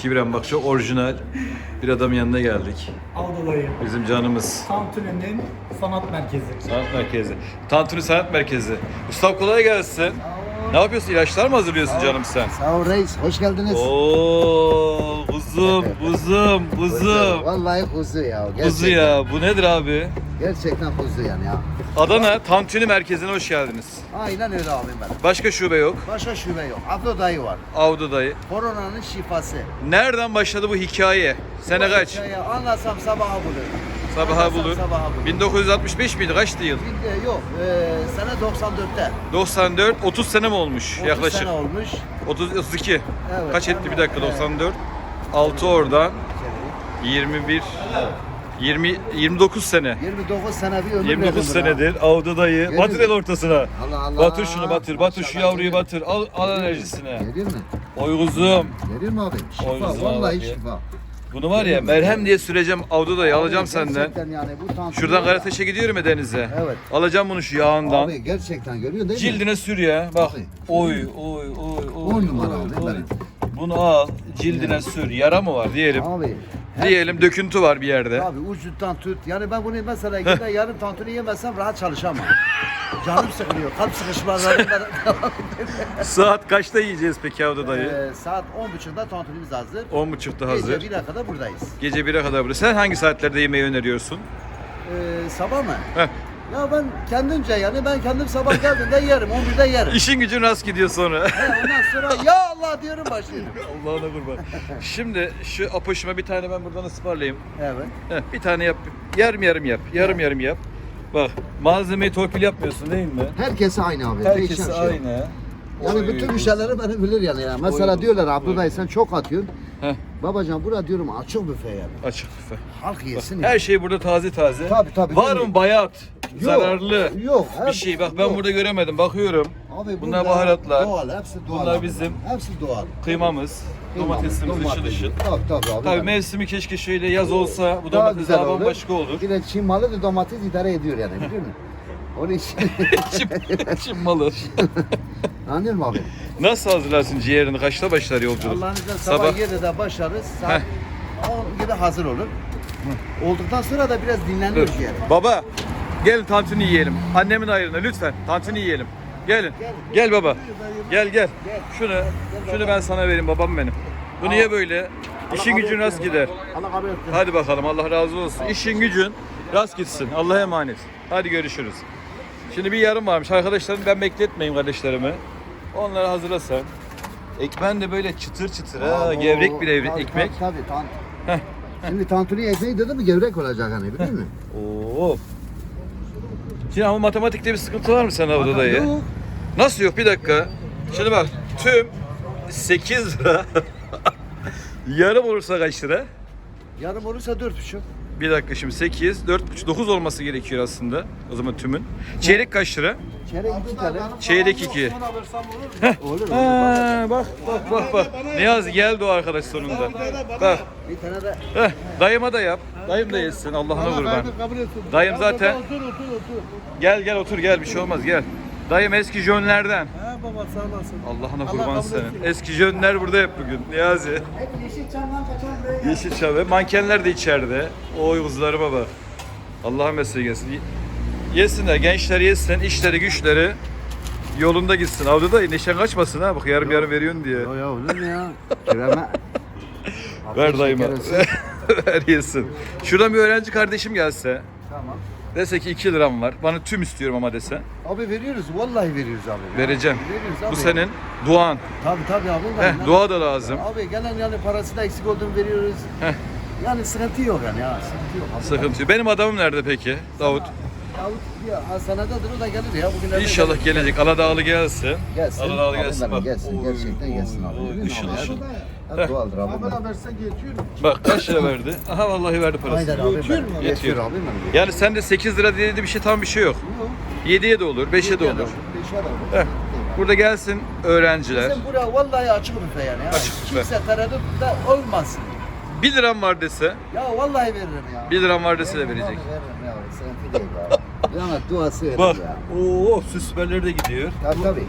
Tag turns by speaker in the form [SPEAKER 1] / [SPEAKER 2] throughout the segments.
[SPEAKER 1] Kibren bak çok orijinal bir adamın yanına geldik.
[SPEAKER 2] Avdalayı.
[SPEAKER 1] Bizim canımız.
[SPEAKER 2] Tantuni'nin sanat merkezi.
[SPEAKER 1] Sanat merkezi. Tantuni Sanat Merkezi. Mustafa kolay gelsin. Ne yapıyorsun? İlaçlar mı hazırlıyorsun canım sen?
[SPEAKER 3] Sağ ol reis, hoş geldiniz.
[SPEAKER 1] Oo, buzum.
[SPEAKER 3] Vallahi kuzu ya. Gerçekten.
[SPEAKER 1] Kuzu ya. Bu nedir abi?
[SPEAKER 3] Gerçekten kuzu yani ya.
[SPEAKER 1] Adana Tantuni Merkezi'ne hoş geldiniz.
[SPEAKER 3] Aynen öyle abim benim.
[SPEAKER 1] Başka şube yok.
[SPEAKER 3] Başka şube yok. Abla dayı var.
[SPEAKER 1] Avda dayı.
[SPEAKER 3] Koronanın şifası.
[SPEAKER 1] Nereden başladı bu hikaye? Sene kaç?
[SPEAKER 3] Hikaye anlatsam sabaha bulur.
[SPEAKER 1] Sabaha
[SPEAKER 3] Anlatsam
[SPEAKER 1] bulur.
[SPEAKER 3] Sabaha bulur.
[SPEAKER 1] 1965 miydi? Kaçtı yıl?
[SPEAKER 3] Yok, sene 94'te.
[SPEAKER 1] 94, 30 sene mi olmuş
[SPEAKER 3] 30
[SPEAKER 1] yaklaşık?
[SPEAKER 3] sene olmuş.
[SPEAKER 1] 32.
[SPEAKER 3] Evet,
[SPEAKER 1] Kaç etti bir dakika
[SPEAKER 3] evet.
[SPEAKER 1] 94? 6 oradan 21 29 sene.
[SPEAKER 3] 29 sene bir ömür
[SPEAKER 1] 29
[SPEAKER 3] verdim buna.
[SPEAKER 1] senedir avda dayı.
[SPEAKER 3] Görüyor
[SPEAKER 1] Batır el
[SPEAKER 3] musun?
[SPEAKER 1] ortasına.
[SPEAKER 3] Allah Allah.
[SPEAKER 1] Batır şunu batır. Batır şu
[SPEAKER 3] Maşallah,
[SPEAKER 1] yavruyu
[SPEAKER 3] görüyor.
[SPEAKER 1] batır. Al enerjisine.
[SPEAKER 3] Görüyor musun?
[SPEAKER 1] Oy kuzum.
[SPEAKER 3] Görüyor musun abi?
[SPEAKER 1] Oy
[SPEAKER 3] Şifa,
[SPEAKER 1] kızım
[SPEAKER 3] vallahi
[SPEAKER 1] abi ya.
[SPEAKER 3] şifa.
[SPEAKER 1] Bunu var ya merhem diye süreceğim avda dayı alacağım
[SPEAKER 3] Abi,
[SPEAKER 1] senden.
[SPEAKER 3] gerçekten yani bu tantuni
[SPEAKER 1] Şuradan
[SPEAKER 3] var ya.
[SPEAKER 1] Karateş'e gidiyorum ya denize.
[SPEAKER 3] Evet.
[SPEAKER 1] Alacağım bunu şu yağından.
[SPEAKER 3] Abi gerçekten görüyor değil mi?
[SPEAKER 1] Cildine sür ya. Bak.
[SPEAKER 3] Abi.
[SPEAKER 1] Oy.
[SPEAKER 3] 10 numara abi benim.
[SPEAKER 1] Bunu al, cildine sür. Yara mı var diyelim.
[SPEAKER 3] Abi.
[SPEAKER 1] Diyelim döküntü var bir yerde.
[SPEAKER 3] Abi ucundan tut. Yani ben bunu mesela gider yarım tantuni yemezsem rahat çalışamam. Canım sıkılıyor. Kalp sıkışmaları.
[SPEAKER 1] Saat kaçta yiyeceğiz peki avda dayı?
[SPEAKER 3] Saat 10.30'da tantunimiz hazır.
[SPEAKER 1] 10.30'da hazır.
[SPEAKER 3] Gece 1'e kadar buradayız.
[SPEAKER 1] Gece 1'e kadar burada. Sen hangi saatlerde yemeği öneriyorsun?
[SPEAKER 3] Sabah mı?
[SPEAKER 1] Heh.
[SPEAKER 3] Ya ben kendimce yani ben kendim sabah geldiğimde yerim. 11'de yerim.
[SPEAKER 1] İşin gücün rast gidiyor sonra.
[SPEAKER 3] Ondan sonra ya Allah diyorum başlıyorum.
[SPEAKER 1] Allah'ına kurban. Şimdi şu apoşuma bir tane ben buradan ısmarlayayım.
[SPEAKER 3] Evet.
[SPEAKER 1] Heh, bir tane yap. Yarım yap. Yarım yap. Bak malzemeyi torpil yapmıyorsun değil mi?
[SPEAKER 3] Herkesi aynı abi.
[SPEAKER 1] Herkesi
[SPEAKER 3] Değişen şey yok.
[SPEAKER 1] aynı.
[SPEAKER 3] Yani
[SPEAKER 1] Oy,
[SPEAKER 3] bütün
[SPEAKER 1] oy.
[SPEAKER 3] müşterileri beni bilir yani. Mesela
[SPEAKER 1] Oy,
[SPEAKER 3] diyorlar
[SPEAKER 1] oy.
[SPEAKER 3] Abdullah sen çok atıyorsun.
[SPEAKER 1] Heh,
[SPEAKER 3] Babacan bura diyorum açık büfe yani.
[SPEAKER 1] açık büfe.
[SPEAKER 3] Halk yesin
[SPEAKER 1] Her
[SPEAKER 3] ya.
[SPEAKER 1] şey burada taze.
[SPEAKER 3] Tabii,
[SPEAKER 1] Var
[SPEAKER 3] değil
[SPEAKER 1] mı bayat?
[SPEAKER 3] Yok,
[SPEAKER 1] Zararlı.
[SPEAKER 3] yok,
[SPEAKER 1] Bir
[SPEAKER 3] hep-
[SPEAKER 1] şey. Bak ben
[SPEAKER 3] yok.
[SPEAKER 1] burada göremedim. Bakıyorum.
[SPEAKER 3] Abi
[SPEAKER 1] Bunlar
[SPEAKER 3] burada
[SPEAKER 1] baharatlar.
[SPEAKER 3] Doğal, hepsi doğal.
[SPEAKER 1] Bunlar
[SPEAKER 3] abi.
[SPEAKER 1] bizim
[SPEAKER 3] Hepsi doğal.
[SPEAKER 1] kıymamız. Domatesimiz ışıl
[SPEAKER 3] Domates.
[SPEAKER 1] ışıl.
[SPEAKER 3] Tabii abi.
[SPEAKER 1] Tabii mevsimi keşke şöyle yaz olsa bu
[SPEAKER 3] Daha
[SPEAKER 1] domates
[SPEAKER 3] güzel
[SPEAKER 1] daha
[SPEAKER 3] olur.
[SPEAKER 1] bambaşka olur.
[SPEAKER 3] Bir de Çin malı da domates idare ediyor yani biliyor musun? Onun için
[SPEAKER 1] Çin malı.
[SPEAKER 3] anlıyor musun abi?
[SPEAKER 1] Nasıl hazırlarsın ciğerini? Kaçta başlar yolculuk?
[SPEAKER 3] Allah'ın izniyle sabah 7'de başlarız. Saat 10 gibi hazır olur. Olduktan sonra da biraz
[SPEAKER 1] Dur.
[SPEAKER 3] dinleniyoruz yani.
[SPEAKER 1] Baba gelin tantuni yiyelim. Annemin ayrına lütfen tantuni yiyelim. Gelin. Gel baba. Gel. Şunu ben sana vereyim babam benim. Bunu ye böyle. İşin gücün rast gider.
[SPEAKER 3] Allah kabul etsin.
[SPEAKER 1] Hadi bakalım Allah razı olsun. İşin gücün rast gitsin. Allah'a emanet. Hadi görüşürüz. Şimdi bir yarım varmış. Arkadaşlarım ben bekletmeyeyim kardeşlerimi. Onları hazırlasan. Ekmen de böyle çıtır çıtır ha. Gevrek bir ekmek.
[SPEAKER 3] Tabii.
[SPEAKER 1] Heh.
[SPEAKER 3] Şimdi tantuni ekmeği dedi mi gevrek olacak hani biliyor musun?
[SPEAKER 1] Oo. Şimdi ama matematikte bir sıkıntı var mı sen orada dayı?
[SPEAKER 3] Yok.
[SPEAKER 1] Nasıl yok? Bir dakika. Şimdi bak tüm 8 lira. Yarım olursa kaç lira?
[SPEAKER 3] Yarım olursa 4,5.
[SPEAKER 1] Bir dakika şimdi 8, 4,5, 9 olması gerekiyor aslında. O zaman tümün. Çeyrek kaç lira?
[SPEAKER 3] Çeyrek 2 tane.
[SPEAKER 1] Çeyrek 2.
[SPEAKER 3] Olur.
[SPEAKER 1] Ha, bak. Niyazi geldi o arkadaş sonunda. Bak.
[SPEAKER 3] Bir tane de
[SPEAKER 1] Dayıma da yap. Dayım da yesin Allah'ına kurban. Dayım zaten. Gel otur gel bir şey olmaz gel. Dayım eski jönlerden.
[SPEAKER 2] Ha baba sağ olasın.
[SPEAKER 1] Allah'ına kurban senin. Eski jönler burada hep bugün. Niyazi.
[SPEAKER 3] hep Yeşilçam'dan kaçan buraya
[SPEAKER 1] Yeşilçam ve mankenler de içeride. Oy kızlarıma bak. Allah'ın mesleği gelsin. Yesinler, gençler yesin, işleri güçleri yolunda gitsin. Avda da neşen kaçmasın ha. Bak yarım veriyorsun diye.
[SPEAKER 3] Ya olur mu ya? Kireme.
[SPEAKER 1] Ver dayıma. Ver yesin. Şuradan bir öğrenci kardeşim gelse.
[SPEAKER 3] Tamam.
[SPEAKER 1] Dese ki 2 liram var. Bana tüm istiyorum ama dese.
[SPEAKER 3] Abi veriyoruz. Vallahi veriyoruz abi. ya.
[SPEAKER 1] Vereceğim.
[SPEAKER 3] Veriyoruz abi.
[SPEAKER 1] Bu senin duan.
[SPEAKER 3] Tabii abi. Ben-
[SPEAKER 1] Dua da lazım.
[SPEAKER 3] Abi gelen yani parası da eksik olduğunu veriyoruz.
[SPEAKER 1] Heh.
[SPEAKER 3] Yani sıkıntı yok yani ya. Sıkıntı yok. Abi.
[SPEAKER 1] Sıkıntı yok. Benim adamım nerede peki? Davut.
[SPEAKER 3] Davut bir hastanededir o da gelir ya. Bugünlerde
[SPEAKER 1] İnşallah gelecek. Aladağlı gelsin.
[SPEAKER 3] Gelsin.
[SPEAKER 1] Aladağlı
[SPEAKER 3] Abi
[SPEAKER 1] gelsin.
[SPEAKER 3] benim
[SPEAKER 1] Bak.
[SPEAKER 3] gelsin.
[SPEAKER 1] Oy,
[SPEAKER 3] Gerçekten gelsin abi.
[SPEAKER 1] oy,
[SPEAKER 3] Biliyor musun
[SPEAKER 1] ışıl
[SPEAKER 3] abi?
[SPEAKER 1] ışıl.
[SPEAKER 3] Hep doğaldır abi. benim.
[SPEAKER 2] versen geçiyorum.
[SPEAKER 1] Bak kaç lira verdi? Aha vallahi verdi
[SPEAKER 3] Aynen
[SPEAKER 1] parasını.
[SPEAKER 3] abi.
[SPEAKER 2] Yetiyor
[SPEAKER 3] benim.
[SPEAKER 2] mu?
[SPEAKER 3] Yetiyor
[SPEAKER 1] Yetiyor.
[SPEAKER 3] abi benim.
[SPEAKER 1] Yani sende 8 lira dediği bir şey tam bir şey yok. 7'ye de olur, 5'e de olur.
[SPEAKER 3] 5'e de olur.
[SPEAKER 1] Heh. Burada gelsin öğrenciler.
[SPEAKER 3] Bizim buraya vallahi açık büfe yani. Ya.
[SPEAKER 1] Açık büfe.
[SPEAKER 3] Kimse tereddüt de olmasın.
[SPEAKER 1] 1 liram var dese,
[SPEAKER 3] Ya vallahi veririm ya.
[SPEAKER 1] 1 liram var dese de verecek.
[SPEAKER 3] Veririm ya. Sıkıntı değil ya. Yani duası veririm
[SPEAKER 1] Bak,
[SPEAKER 3] ya.
[SPEAKER 1] ooo süsberleri de gidiyor.
[SPEAKER 3] Tabii.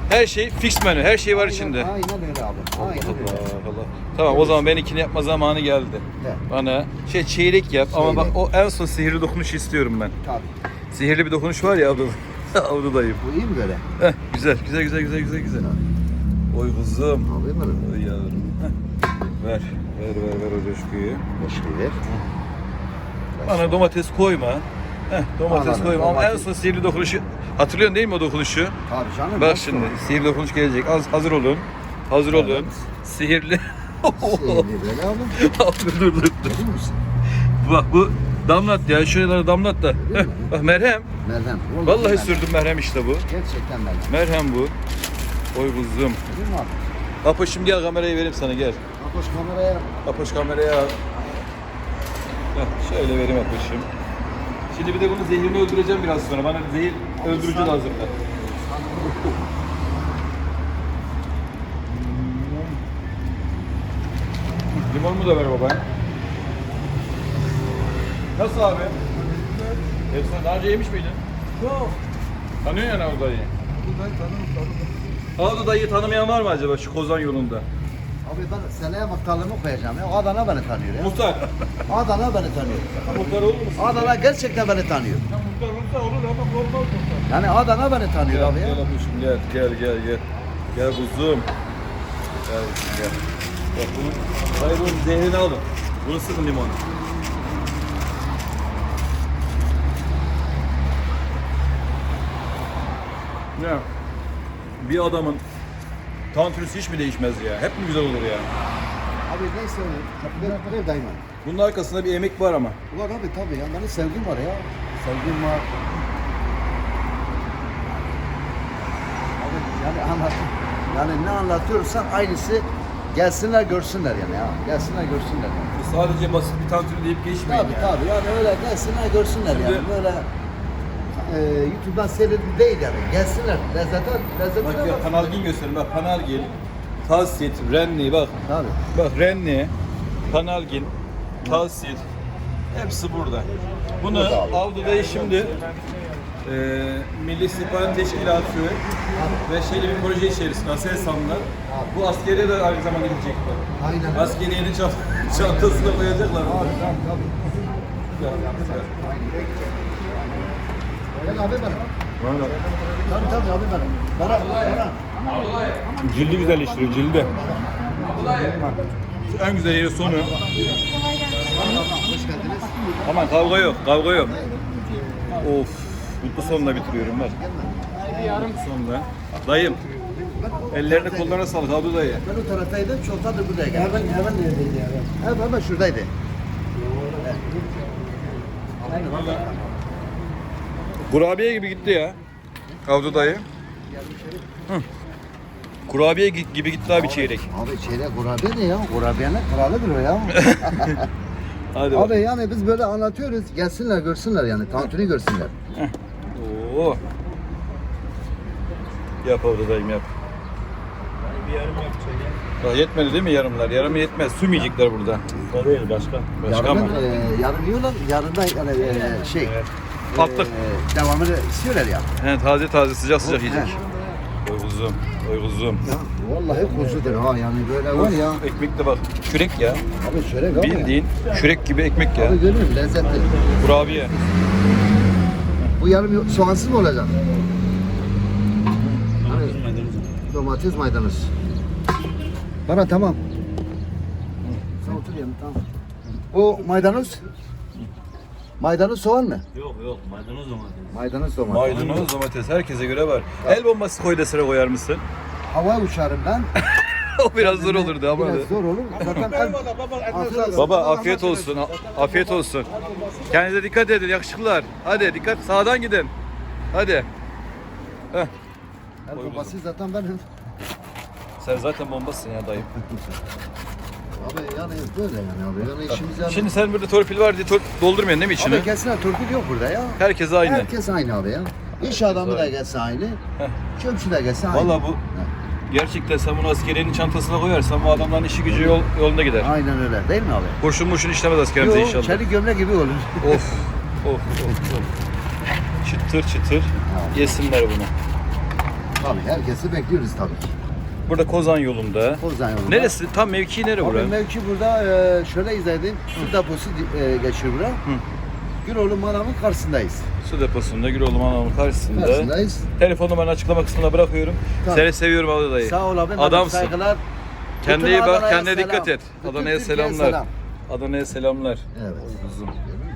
[SPEAKER 1] Her şey fix menü. Her şey var içinde.
[SPEAKER 3] Aynen öyle abi. Aynen öyle.
[SPEAKER 1] Allah Allah. Tamam o zaman benimkini yapma zamanı geldi.
[SPEAKER 3] Evet.
[SPEAKER 1] Bana çeyrek yap ama bak
[SPEAKER 3] Çeyrek.
[SPEAKER 1] o en son sihirli dokunuş istiyorum ben.
[SPEAKER 3] Tabii.
[SPEAKER 1] Sihirli bir dokunuş var ya Avru dayım.
[SPEAKER 3] Bu iyi mi böyle?
[SPEAKER 1] Heh, güzel güzel güzel güzel güzel güzel. Oy kuzum.
[SPEAKER 3] Abi benim.
[SPEAKER 1] Oy yavrum. Heh. Ver o coşkuyu.
[SPEAKER 3] Başka ver.
[SPEAKER 1] Bana domates koyma. Domates
[SPEAKER 3] Anladım,
[SPEAKER 1] koyma ama en
[SPEAKER 3] domates.
[SPEAKER 1] son sihirli dokunuşu hatırlıyorsun değil mi o dokunuşu?
[SPEAKER 3] Tabii canım.
[SPEAKER 1] Bak
[SPEAKER 3] nasıl
[SPEAKER 1] şimdi
[SPEAKER 3] olur?
[SPEAKER 1] sihirli dokunuş gelecek. Hazır olun. Hazır olun.
[SPEAKER 3] Evet.
[SPEAKER 1] Sihirli.
[SPEAKER 3] Sihirli böyle abi.
[SPEAKER 1] dur.
[SPEAKER 3] Görüyor musun?
[SPEAKER 1] Bak bu damlat ya. Şuralara damlat da.
[SPEAKER 3] Değil mi?
[SPEAKER 1] Bak merhem.
[SPEAKER 3] Merhem.
[SPEAKER 1] Vallahi
[SPEAKER 3] merhem.
[SPEAKER 1] sürdüm merhem işte bu.
[SPEAKER 3] Gerçekten merhem.
[SPEAKER 1] Merhem bu. Oy kuzum.
[SPEAKER 3] Değil mi abi?
[SPEAKER 1] Apoş'um gel kamerayı vereyim sana gel.
[SPEAKER 3] Apoş kameraya.
[SPEAKER 1] Apoş kameraya al. Heh, şöyle vereyim Apoş'um. Şimdi bir de bunu zehrini öldüreceğim biraz sonra. Bana zehir öldürücü lazım da. Limonumu da ver baba. Nasıl abi? Sen daha önce yemiş miydin?
[SPEAKER 2] Yok.
[SPEAKER 1] Tanıyorsun yani Avdu dayıyı.
[SPEAKER 2] Buradayı tanırım.
[SPEAKER 1] Avdu dayıyı tanımayan var mı acaba şu Kozan yolunda?
[SPEAKER 3] Abi ben seneye muhtarlığımı koyacağım ya. Adana beni tanıyor ya.
[SPEAKER 1] Muhtar.
[SPEAKER 3] Adana beni tanıyor.
[SPEAKER 1] Muhtar olur musun?
[SPEAKER 3] Adana gerçekten beni tanıyor.
[SPEAKER 2] Ya muhtar olsa olur ama olmaz muhtar.
[SPEAKER 3] Yani Adana beni tanıyor abi ya.
[SPEAKER 1] Gel abuşum gel. Gel kuzum. Gel kuzum gel. Bak bunu, hayır bunun zehrini alın. Bunu sıkın limonu. Ne? Bir adamın tantrisi hiç mi değişmez ya? Hep mi güzel olur ya?
[SPEAKER 3] Abi neyse ver daima.
[SPEAKER 1] Bunun arkasında bir emek var ama.
[SPEAKER 3] Var abi tabii ya. Benim sevgim var ya. Sevgim var. Abi yani anlat. Yani ne anlatıyorsan aynısı gelsinler görsünler yani ya. Gelsinler görsünler yani.
[SPEAKER 1] Bu sadece basit bir tantuni deyip geçmeyin
[SPEAKER 3] Tabii
[SPEAKER 1] yani.
[SPEAKER 3] tabii yani öyle gelsinler görsünler
[SPEAKER 1] Şimdi-
[SPEAKER 3] yani. Böyle YouTube'dan seyredip değil yani. Gelsinler. Lezzete
[SPEAKER 1] Bak ya Panalgin gösterin bak Panalgin, Talsit, Renni bak.
[SPEAKER 3] Tabii.
[SPEAKER 1] Bak Renni, Panalgin, Talsit hepsi burada. Bunu
[SPEAKER 3] Burada abi.
[SPEAKER 1] Avdu'da şimdi Milli İstihbarat Teşkilatı ve şeyli bir proje içerisinde Aselsan'la bu askeriye de aynı zamanda gidecekler.
[SPEAKER 3] Aynen.
[SPEAKER 1] Askeriyenin çantasına koyacaklar.
[SPEAKER 3] Tabii tabii. Gel abi benim. Tabii abi benim. Bana.
[SPEAKER 1] Cildi güzelleştiriyor cildi. En güzel yeri sonu.
[SPEAKER 3] Hoş geldiniz.
[SPEAKER 1] Aman kavga yok. Of. Mutlu sonla bitiriyorum bak. Mutlu sonla. Dayım. Ellerine kollarına sağlık Avdu dayı.
[SPEAKER 3] Ben o taraftaydım, çoktandır buraya geldim. Hemen neredeydi yani? Hemen şuradaydı.
[SPEAKER 1] Kurabiye gibi gitti ya. Avdu dayı. Hı. Kurabiye gibi gitti abi çeyrek.
[SPEAKER 3] Abi çeyrek kurabiye ne ya? Kurabiyenin kralıdır o ya.
[SPEAKER 1] Hadi bak.
[SPEAKER 3] Abi yani biz böyle anlatıyoruz. Gelsinler görsünler yani. Tantuni görsünler.
[SPEAKER 1] Oo. Yap Avdu dayım yap.
[SPEAKER 2] Bir yarım yapacak ya.
[SPEAKER 1] Daha yetmedi değil mi yarımlar? Yarımı yetmez. Sümeyecekler burada.
[SPEAKER 2] O değil başka.
[SPEAKER 1] Başka mı?
[SPEAKER 3] Yarın yiyorlar. Yarından yani şey.
[SPEAKER 1] Patlık.
[SPEAKER 3] Devamını istiyorlar ya.
[SPEAKER 1] He, taze sıcak
[SPEAKER 3] He.
[SPEAKER 1] yiyecek. Oy kuzum.
[SPEAKER 3] Ya vallahi kuzudur ha yani böyle var ya.
[SPEAKER 1] Ekmek de bak. Kürek ya.
[SPEAKER 3] Abi çörek abi.
[SPEAKER 1] Bildiğin kürek gibi ekmek ya.
[SPEAKER 3] Abi görüyor musun? Lezzetli.
[SPEAKER 1] Kurabiye.
[SPEAKER 3] Bu yarım soğansız mı olacak? Domates maydanoz. Bana tamam. Sen otur yanına tamam. O maydanoz? Maydanoz soğan mı?
[SPEAKER 2] Yok maydanoz domates.
[SPEAKER 3] Maydanoz domates.
[SPEAKER 1] Maydanoz, domates herkese göre var. El bombası koy da sıra koyar mısın?
[SPEAKER 3] Havaya uçarım ben.
[SPEAKER 1] O biraz zor olurdu ama.
[SPEAKER 3] Biraz zor olur. Zaten afiyet olsun.
[SPEAKER 1] Baba afiyet olsun. Afiyet olsun. Kendinize dikkat edin yakışıklılar. Hadi dikkat sağdan gidin. Hadi. Heh.
[SPEAKER 3] El bombası zaten benim.
[SPEAKER 1] Sen zaten bombasın ya dayı.
[SPEAKER 3] Abi yani böyle yani abi. Yani işimiz yani.
[SPEAKER 1] Şimdi sen burada torpil var diye doldurmuyorsun değil mi içini?
[SPEAKER 3] Abi kesin torpil yok burada ya.
[SPEAKER 1] Herkes aynı.
[SPEAKER 3] Herkes aynı abi ya. İş adamı da gelse aynı. Çöpçü de gelse aynı.
[SPEAKER 1] Valla bu gerçekten sen bunu askeriyenin çantasına koyarsan bu adamların işi gücü yolunda gider.
[SPEAKER 3] Aynen öyle değil mi abi?
[SPEAKER 1] Kurşun murşun işlemez askerimize
[SPEAKER 3] Yok,
[SPEAKER 1] inşallah.
[SPEAKER 3] çelik gömlek gibi olur.
[SPEAKER 1] Of. Çıtır çıtır yesinler bunu.
[SPEAKER 3] Tabii herkesi bekliyoruz tabii ki.
[SPEAKER 1] Burada Kozan yolunda.
[SPEAKER 3] Kozan yolunda.
[SPEAKER 1] Neresi? Tam mevki nere
[SPEAKER 3] Abi
[SPEAKER 1] burası?
[SPEAKER 3] mevki burada şöyle izah edeyim. Su deposu geçiyor buraya. Güloğlu Manav'ın karşısındayız.
[SPEAKER 1] Su deposunda Güloğlu Manav'ın karşısında.
[SPEAKER 3] Karşısındayız.
[SPEAKER 1] Telefon numaranı açıklama kısmına bırakıyorum.
[SPEAKER 3] Tamam.
[SPEAKER 1] Seni seviyorum abi dayı.
[SPEAKER 3] Sağ ol abim.
[SPEAKER 1] Adamsın.
[SPEAKER 3] Saygılar.
[SPEAKER 1] Kendine
[SPEAKER 3] Bütün
[SPEAKER 1] iyi bak,
[SPEAKER 3] Adana'ya
[SPEAKER 1] kendine
[SPEAKER 3] selam.
[SPEAKER 1] dikkat et.
[SPEAKER 3] Bütün
[SPEAKER 1] Adana'ya
[SPEAKER 3] Türkiye'ye
[SPEAKER 1] selamlar.
[SPEAKER 3] selam.
[SPEAKER 1] Adana'ya selamlar.
[SPEAKER 3] Evet.